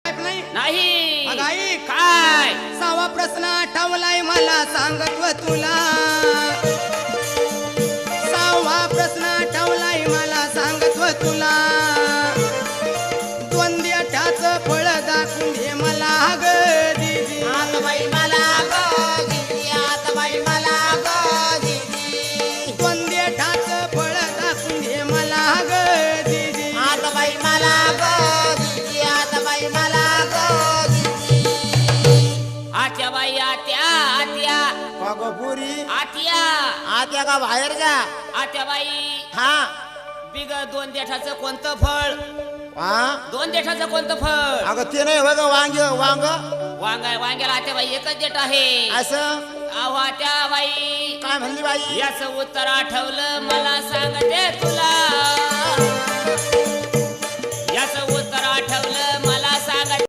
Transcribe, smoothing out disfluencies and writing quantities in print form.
नाही नाही अगं आई काय 6वा प्रश्न आठवलाय मला सांगत्व तुला 6वा प्रश्न आठवलाय मला सांगत्व तुला द्वंद्वठाचं फळ दाखवून दे मला ग दीदी आता बाई मला ग दीदी आता बाई मला ग दीदी द्वंद्वठाचं फळ दाखवून दे मला ग दीदी आता बाई मला ग दीदी आता बाई मला ग दीदी आत्या बाई आत्या आत्या अगं पुरी आत्या आत्या का बाहेर जा आत्या बाई हा बिग 2 देठाचं कोणतं फळ हा 2 देठाचं कोणतं फळ अगं ते नाही बघ वांग वांग वांग्याला आत्या बाई एकच देठ आहे असं अहो आत्या बाई काय म्हणली बाई याच उत्तर आठवलं मला सांगते तुला